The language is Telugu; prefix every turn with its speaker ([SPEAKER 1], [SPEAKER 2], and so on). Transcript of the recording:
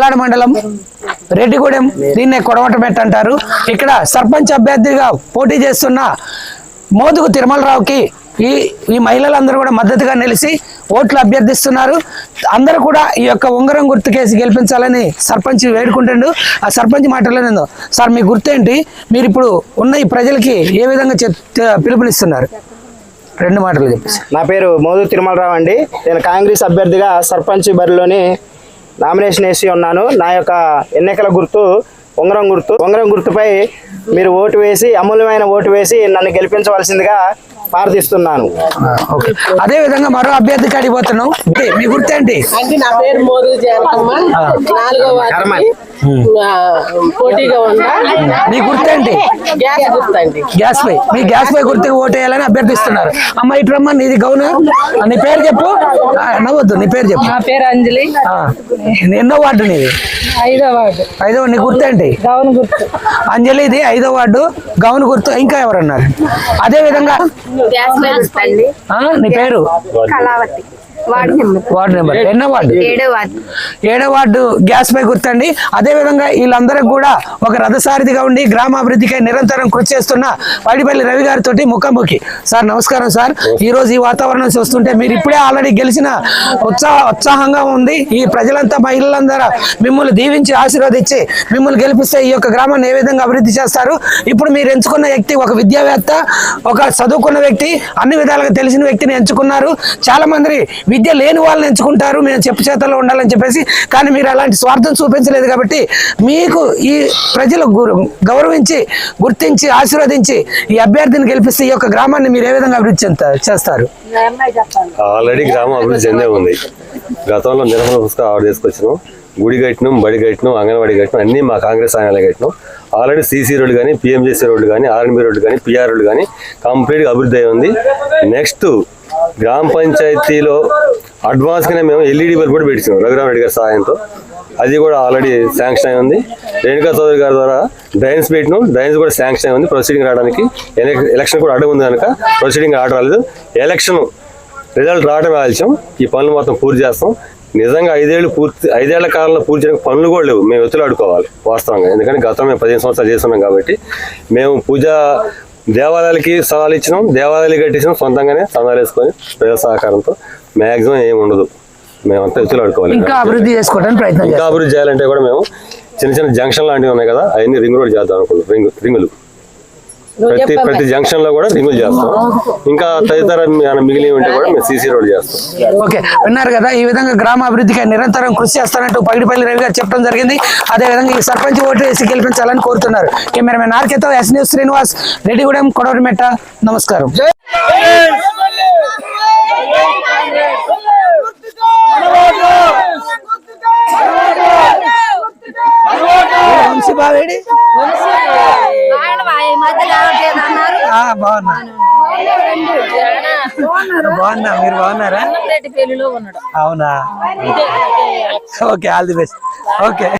[SPEAKER 1] కోలాడ మండలం రెడ్డిగూడెం, దీన్నే కొడవటమెట్ట అంటారు. ఇక్కడ సర్పంచ్ అభ్యర్థిగా పోటీ చేస్తున్న మోదుగు తిరుమలరావుకి ఈ మహిళలందరూ కూడా మద్దతుగా నిలిచి ఓట్లు అభ్యర్థిస్తున్నారు. అందరూ కూడా ఈ యొక్క ఉంగరం గుర్తు కేసు గెలిపించాలని సర్పంచ్ వేడుకుంటుండు. ఆ సర్పంచ్ మాటలో సార్ మీ గుర్తేంటి, మీరు ఇప్పుడు ఉన్న ఈ ప్రజలకి ఏ విధంగా పిలుపునిస్తున్నారు? 2 మాటలు చెప్పేసి.
[SPEAKER 2] నా పేరు మోదుగు తిరుమలరావు అండి. నేను కాంగ్రెస్ అభ్యర్థిగా సర్పంచ్ బరిలోని నామినేషన్ వేసి ఉన్నాను. నా యొక్క ఎన్నికల గుర్తు ఉంగరం గుర్తు. ఉంగరం గుర్తుపై మీరు ఓటు వేసి, అమూల్యమైన ఓటు వేసి నన్ను గెలిపించవలసిందిగా ప్రార్థిస్తున్నాను.
[SPEAKER 1] అదే విధంగా మరో అభ్యర్థి కాడికి పోతున్నాం. మీ గుర్తేంటి?
[SPEAKER 3] నా పేరు మోదుగు జయరకమ్మ, 4వ వార్డుకి పోటీగా ఉన్నా.
[SPEAKER 1] మీ గుర్తేంటి?
[SPEAKER 3] గ్యాస్ గుర్తండి.
[SPEAKER 1] గ్యాస్ పై మీ గ్యాస్ పై గుర్తుకు ఓటేయాలని అభ్యర్థిస్తున్నారు. అమ్మ ఇట్రమ్మ, నీది గౌను. నీ పేరు చెప్పు. నవ్వద్దు, నీ పేరు చెప్పు.
[SPEAKER 3] నా పేరు అంజలి.
[SPEAKER 1] ఎన్నో వార్డు నీది?
[SPEAKER 3] 5వ వార్డు.
[SPEAKER 1] 5వ. నీ గుర్తేంటి?
[SPEAKER 3] గౌను గుర్తు.
[SPEAKER 1] అంజలిది 5వ వార్డు, గౌను గుర్తు. ఇంకా ఎవరన్నారు? అదే విధంగా నీ పేరు? వార్డు నెంబర్ ఎన్నో వార్డు? 7వ వార్డు గ్యాస్ పై గుర్తండి. అదే విధంగా వీళ్ళందరికి కూడా ఒక రథసారథిగా ఉండి గ్రామాభివృద్ధికై నిరంతరం కృషి చేస్తున్న పైడిపల్లి రవి గారితో ముఖాముఖి. సార్ నమస్కారం సార్. ఈ రోజు ఈ వాతావరణం చూస్తుంటే మీరు ఇప్పుడే ఆల్రెడీ గెలిచిన ఉత్సాహంగా ఉంది. ఈ ప్రజలంతా మహిళలందరూ మిమ్మల్ని దీవించి ఆశీర్వదించి మిమ్మల్ని గెలిపిస్తే ఈ యొక్క గ్రామాన్ని ఏ విధంగా అభివృద్ధి చేస్తారు? ఇప్పుడు మీరు ఎంచుకున్న వ్యక్తి ఒక విద్యావేత్త, ఒక చదువుకున్న వ్యక్తి, అన్ని విధాలుగా తెలిసిన వ్యక్తిని ఎంచుకున్నారు. చాలా మంది విద్య లేని వాళ్ళని ఎంచుకుంటారు, మేము చెప్పు చేతల్లో ఉండాలని చెప్పేసి. కానీ మీరు అలాంటి స్వార్థం చూపించలేదు కాబట్టి మీకు ఈ ప్రజలు గౌరవించి, గుర్తించి, ఆశీర్వదించి ఈ అభ్యర్థిని గెలిపిస్తే ఈ యొక్క గ్రామాన్ని మీరు ఏ విధంగా అభివృద్ధి చేస్తారు?
[SPEAKER 4] ఆల్రెడీ గ్రామం అభివృద్ధి చెందే ఉంది. గతంలో నిర్మల పుస్తకం ఆవిడ తీసుకొచ్చినాం. గుడి కట్టినాం, బడి కట్టినాం, అంగన్వాడీ కట్టినాం, అన్నీ మా కాంగ్రెస్ ఆయనలే కట్టినాం. ఆల్రెడీ సీసీ రోడ్డు కానీ, పిఎంజేసీ రోడ్డు కానీ, ఆర్ఎన్బి రోడ్డు కానీ, పిఆర్ రోడ్డు కానీ కంప్లీట్గా అభివృద్ధి అయి ఉంది. నెక్స్ట్ గ్రామ పంచాయతీలో అడ్వాన్స్గానే మేము ఎల్ఈడి బల్బ్ కూడా పెట్టినాం రఘురామరెడ్డి గారి సహాయంతో. అది కూడా ఆల్రెడీ శాంక్షన్ అయి ఉంది. రేణుకా చౌదరి గారి ద్వారా డ్రైన్స్ పెట్టినాం, డ్రైన్స్ కూడా శాంక్షన్ అయి ఉంది. ప్రొసీడింగ్ రావడానికి ఎలక్షన్ కూడా అడ్డం ఉంది కనుక ప్రొసీడింగ్ ఆర్డర్ రాలేదు. ఎలక్షన్ రిజల్ట్ రావడమే ఆలస్యం. ఈ పనులు మొత్తం పూర్తి చేస్తాం. నిజంగా 5 ఏళ్ల కాలంలో పూర్తి చేయడానికి పనులు కూడా లేవు. మేము ఎత్తులాడుకోవాలి వాస్తవంగా. ఎందుకంటే గతం మేము 15 సంవత్సరాలు చేస్తున్నాం కాబట్టి మేము దేవాలయాలకి స్థలాలు ఇచ్చినాం, దేవాలయాలు కట్టించినాం, సొంతంగానే స్థలాలు వేసుకొని ప్రజల సహకారంతో. మ్యాక్సిమం ఏమి ఉండదు, మేమంతా ఎత్తులాడుకోవాలి.
[SPEAKER 1] ఇంకా అభివృద్ధి చేసుకోవడానికి ప్రయత్నం.
[SPEAKER 4] ఇంకా అభివృద్ధి చేయాలంటే కూడా మేము చిన్న జంక్షన్ లాంటివి ఉన్నాయి కదా, అవన్నీ రింగ్ రోడ్ చేద్దాం అనుకుంటున్నాం. రింగులు ప్రతి జంక్షన్ లో కూడా రింగులు చేస్తాం. ఇంకా తదితర మిగిలి ఉంటే కూడా మేము సీసీ రోడ్ చేస్తాం.
[SPEAKER 1] ఓకే, విన్నారు కదా. ఈ విధంగా గ్రామ అభివృద్ధికి నిరంతరం కృషి చేస్తానంటూ పైడిపల్లి రవి గారు చెప్పడం జరిగింది. అదే విధంగా ఈ సర్పంచ్ ఓటు వేసి గెలిపించాలని కోరుతున్నారు. కెమెరామెన్ ఆర్కేతో ఎస్ న్యూస్ శ్రీనివాస్, రెడ్డిగూడెం, కొడవటిమెట్ట. నమస్కారం. వంశీబావేడి బాగున్నా, మీరు బాగున్నారా? అవునా? Okay, all the best. Okay.